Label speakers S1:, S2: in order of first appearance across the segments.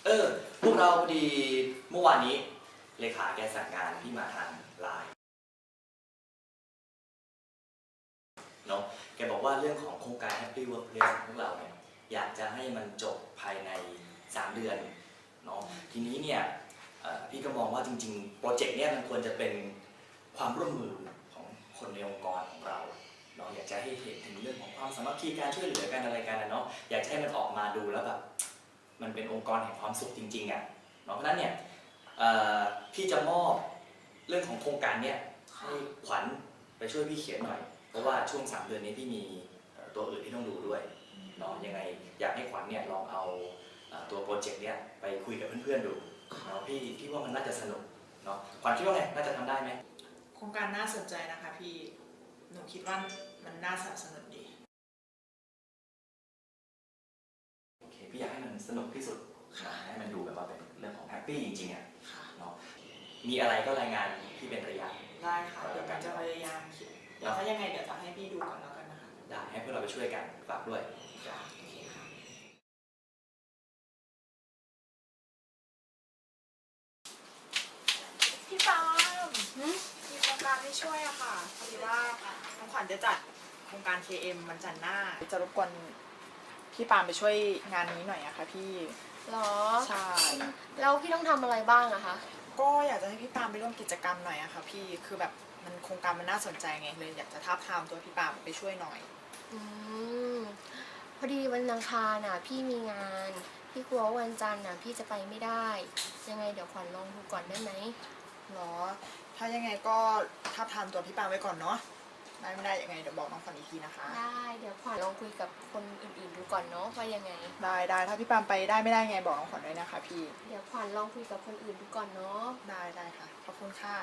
S1: พวกเราพอดีเมื่อวานนี้เลขาแกสั่งงานที่มาทางไลน์เนาะแกบอกว่าเรื่องของโครงการ Happy Workplace ของพวกเราเนี่ยอยากจะให้มันจบภายใน3 เดือนเนาะทีนี้เนี่ยพี่ก็มองว่าจริงๆโปรเจกต์เนี่ยมันควรจะเป็นความร่วมมือของคนในองค์กรของเราเนาะอยากจะให้เห็นถึงเรื่องของความสามัคคีการช่วยเหลือกันอะไรกันนะเนาะอยากจะให้มันออกมาดูแล้วแบบมันเป็นองค์กรแห่งความสุขจริงๆอ่ะเนาะเพราะฉะนั้นเนี่ยพี่จะมอบเรื่องของโครงการเนี่ยให้ขวัญไปช่วยพี่เขียนหน่อยเพราะว่าช่วง3 เดือนนี้พี่มีตัวอื่นที่ต้องดูด้วยเนาะยังไงอยากให้ขวัญเนี่ยลองเอาตัวโปรเจกต์เนี่ยไปคุยกับเพื่อนๆดูเนาะพี่ว่ามันน่าจะสนุกเนาะขวัญคิดว่าไงน่าจะทำได้ไหม
S2: โครงการน่าสนใจนะคะพี่หนูคิดว่ามันน่าสนับสนุนดี
S1: โอเคพี่อยากให้มันสนุกที่สุดให้มันดูแบบว่าเป็นเรื่องของแฮปปี้จริงๆอ่ะเนาะมีอะไรก็รายงานพี่เป็นระยะ
S2: ได้ค่ะเดี๋ยวมันจะพยายามคิดเดี๋ยวถ้ายังไงเดี๋ยวจะให้พี่ดูก่อนแล้วกันนะคะ
S1: ได้ให้พวกเราไปช่วยกันฝากด้วย
S2: โอเคค่ะพี่ปาล์มมีโครงการให้ช่วยอะค่ะพอดีว่าน้องขวัญจะจัดโครงการ KM วันจันทร์หน้าจะรบกวนพี่ปาล์มไปช่วยงานนี้หน่อยอะค่ะพี่
S3: หรอ
S2: ใช่
S3: แล้วพี่ต้องทำอะไรบ้างอะคะ
S2: ก็อยากจะให้พี่ปาล์มไปร่วมกิจกรรมหน่อยอะค่ะพี่คือแบบมันโครงการมันน่าสนใจไงเลยอยากจะท้าบทามตัวพี่ปาล์มไปช่วยหน่อย
S3: พอดีวันอังคารน่ะพี่มีงานพี่กลัวว่าวันจันทร์น่ะพี่จะไปไม่ได้ยังไงเดี๋ยวขวัญลองดูก่อนได้ไหม
S2: หรอถ้ายังไงก็ท้าบทามตัวพี่ปาล์มไว้ก่อนเนาะได้ไม่ได้ยังไงเดี๋ยวบอกน้องขวัญอีกทีนะคะ
S3: ได้เดี๋ยวขวัญลองคุยกับคนอื่นๆดูก่อนเนาะว่ายังไง
S2: ได้ถ้าพี่ปาล์มไปได้ไม่ได้ไงบอกน้องขวัญด้วยนะคะพี่
S3: เดี๋ยวขวัญลองคุยกับคนอื่นดูก่อนเนาะ
S2: ได้ค่ะขอบคุณค่ะ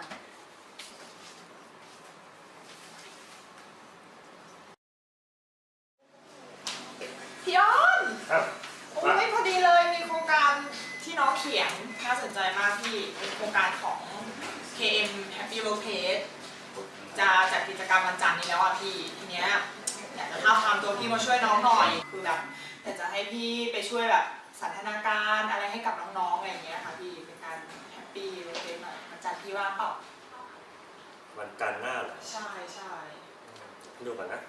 S2: พี่อ้อนโอ้ยพอดีเลยมีโครงการที่น้องเขียนน่าสนใจมากพี่เป็นโครงการของ KM Happy Workplace จะจัดกิจกรรมวันจันทร์นี้แล้วอ่ะพี่ทีเนี้ยอยากจะท้าบทามตัวพี่มาช่วยน้องหน่อยคือแบบอยากจะให้พี่ไปช่วยแบบสันทนาการอะไรให้กับน้องๆอะไรอย่างเงี้ยค่ะพี่เป็นการ Happy Workplace หน่อยวันจันทร์พี่ว่างเปล่า
S4: วันจันทร์หน้าเหรอ
S2: ใช่
S4: ดูก่อนนะ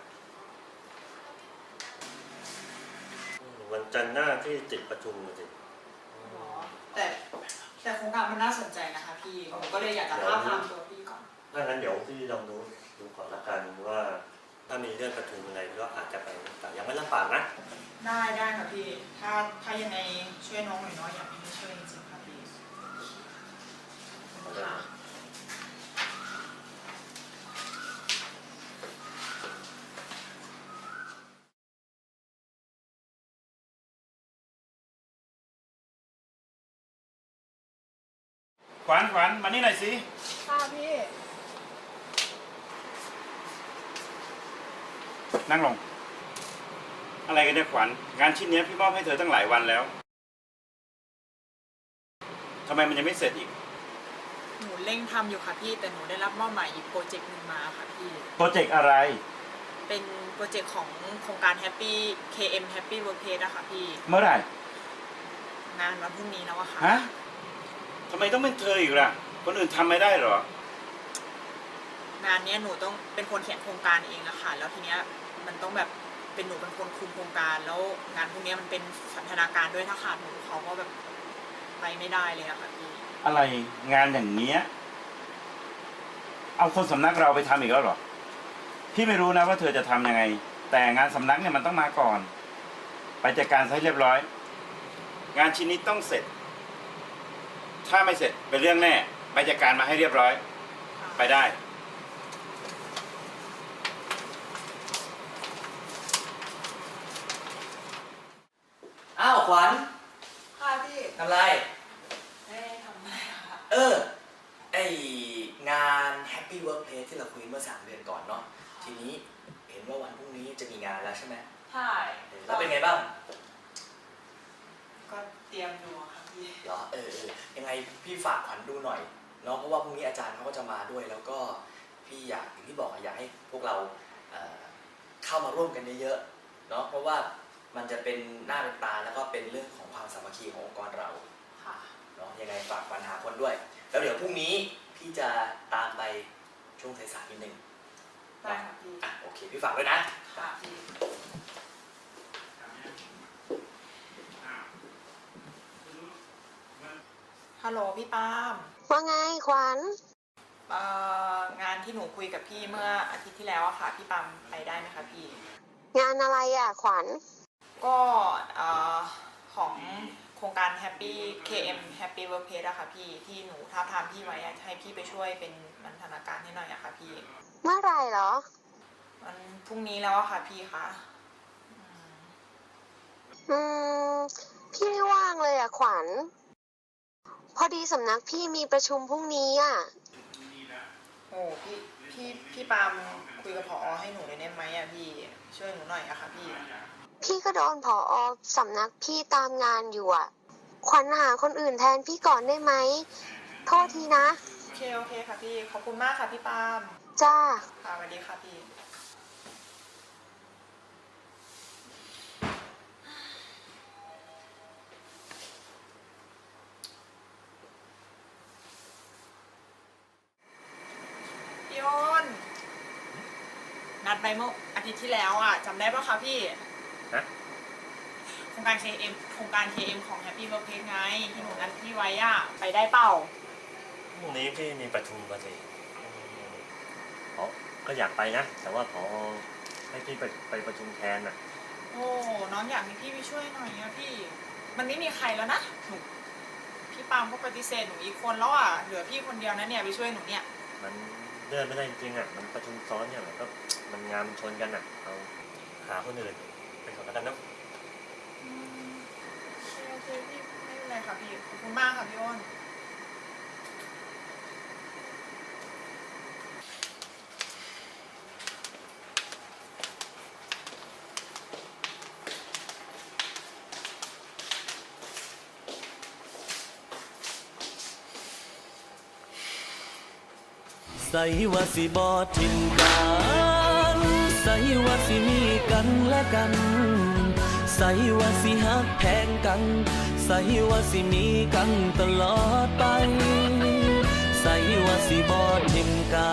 S4: วันจันทร์หน้าที่ติดประชุมสิ
S2: แต่โครงการมันน่าสนใจนะคะพี่ผมก็เลยอยากจะท้าบทามตัวพี่ก่อน
S4: ถ้างั้นเดี๋ยวพี่ลองดูก่อนละกันว่าถ้ามีเรื่องประชุมอะไรก็อาจจะไปแต่ยังไม่รับปากนะ
S2: ได้ค่ะพี่ถ้ายังไงช่วยน้องหน่อยเนาะอยากให้ช่วยจริงๆค่ะพี่ค่ะ
S5: ขวัญมานี่หน่อยสิ
S2: ค่ะพี่
S5: นั่งลงอะไรกันเนี่ยขวัญงานชิ้นนี้พี่มอบให้เธอตั้งหลายวันแล้วทำไมมันยังไม่เสร็จอีก
S2: หนูเร่งทำอยู่ค่ะพี่แต่หนูได้รับมอบหมายอีกโปรเจกต์หนึ่งมาค่ะพี่
S5: โปรเจกต์อะไร
S2: เป็นโปรเจกต์ของโครงการ Happy KM Happy Workplace อะค่ะพี่
S5: เมื่อไหร่
S2: งานวันพรุ่งนี้แล้วอะค่ะ
S5: ฮะทำไมต้องเป็นเธออีกล่ะคนอื่นทำไม่ได้หรอ
S2: งานนี้หนูต้องเป็นคนเขียนโครงการเองอะค่ะแล้วทีเนี้ยมันต้องแบบเป็นหนูเป็นคนคุมโครงการแล้วงานพวกนี้มันเป็นสันทนาการด้วยถ้าขาดหนูเขาก็แบบไปไม่ได้เลยอะค่ะพี่
S5: อะไรงานอย่างเนี้ยเอาคนสำนักเราไปทำอีกแล้วหรอพี่ไม่รู้นะว่าเธอจะทำยังไงแต่งานสำนักเนี่ยมันต้องมาก่อนไปจัดการให้เรียบร้อยงานชิ้นนี้ต้องเสร็จถ้าไม่เสร็จเป็นเรื่องแน่ไปจัดการมาให้เรียบร้อยไปได้
S1: อ้าวขวัญ
S2: ค่ะพี่
S1: ทำไร
S2: ไม่ได้ทำอะไรค่ะ
S1: ไองาน Happy Workplace ที่เราคุยเมื่อ3 เดือนก่อนเนาะทีนี้เห็นว่าวันพรุ่งนี้จะมีงานแล้วใช่ไหม
S2: ใช่
S1: แล้วเป็นไงบ้าง
S2: ก็เตรียมดูค่ะพี่
S1: เหรอยังไงพี่ฝากขวัญดูหน่อยเนาะเพราะว่าพรุ่งนี้อาจารย์เขาก็จะมาด้วยแล้วก็พี่อย่างที่บอกอยากให้พวกเราเข้ามาร่วมกันเยอะๆเนาะเพราะว่ามันจะเป็นหน้าเป็นตาแล้วก็เป็นเรื่องของความสามัคคีขององค์กรเรา
S2: ค่ะ
S1: เนาะยังไงฝากปัญหาคนด้วย แล้วเดี๋ยวพรุ่งนี้พี่จะตามไปช่วงสายๆนิดนึง
S2: ได้ค่ะพี่
S1: อ่ะโอเคพี่ฝากด้วยนะ
S2: ค่ะพี่ฮัลโหลพี่ปาล์ม
S3: ว่าไงขวัญ
S2: งานที่หนูคุยกับพี่เมื่ออาทิตย์ที่แล้วอะค่ะพี่ปาล์มไปได้ไหมคะพี่
S3: งานอะไรอ่ะขวัญ
S2: ก็ของโครงการ Happy KM Happy Workplace อะค่ะพี่ที่หนูท้าบทามพี่ไว้อะให้พี่ไปช่วยเป็นบรรณาการให้หน่อยอะค่ะพี่
S3: เมื่อไหรเหรอ
S2: มันพรุ่งนี้แล้วอะค่ะพี่คะ
S3: อืม พี่ไม่ว่างเลยอ่ะขวัญ พอดีสำนักพี่มีประชุมพรุ่งนี้อ่ะ
S2: โอ้พี่ปาล์มคุยกับผอให้หนูเลยได้ไหมอะพี่ช่วยหนูหน่อยอะค่ะพี่
S3: พี่ก็โดนผอสำนักพี่ตามงานอยู่อ่ะ ขวัญหาคนอื่นแทนพี่ก่อนได้ไหม โทษทีนะ
S2: โอเคค่ะพี่ขอบคุณมากค่ะพี่ปาล์ม
S3: จ้า
S2: ค่ะสวัสดีค่ะพี่พี่อ้นนัดไปเมื่ออาทิตย์ที่แล้วอ่ะจำได้ปะคะพี่
S4: ฮะ
S2: โครงการ KM ของ Happy Workplace ไงที่หนูนัดพี่ไว้อ่ะไปได้เปล่า
S4: พรุ่งนี้พี่มีประชุมมาสิอ๋อก็อยากไปนะ แต่ว่าพอให้พี่ไปประชุมแทนน่ะ
S2: โอ้น้องอยากให้พี่ไปช่วยหน่อยอะพี่ มันไม่มีใครแล้วนะหนูพี่ปาล์มก็ปฏิเสธหนูอีกคนแล้วอ่ะเหลือพี่คนเดียวนะเนี่ยไปช่วยหนูเนี่ย
S4: มันเลื่อนไม่ได้จริงๆอ่ะ มันประชุมซ้อนเนี่ยมันก็มันงานมันชนกันอ่ะ เราหาคนอื่นไปก่อนแล้วกันเนาะ
S2: โอเคพี่ไม่เป็นไรค่ะพี่ขอบคุณมากค่ะพี่อ้น
S6: ใส่ว่าสิบอทิมกันใส่ว่าสิมีกันและกัน ใส่ว่าสิฮักแพงกัน ใส่ว่าสิมีกันตลอดไป ใส่ว่าสิบอทิมกั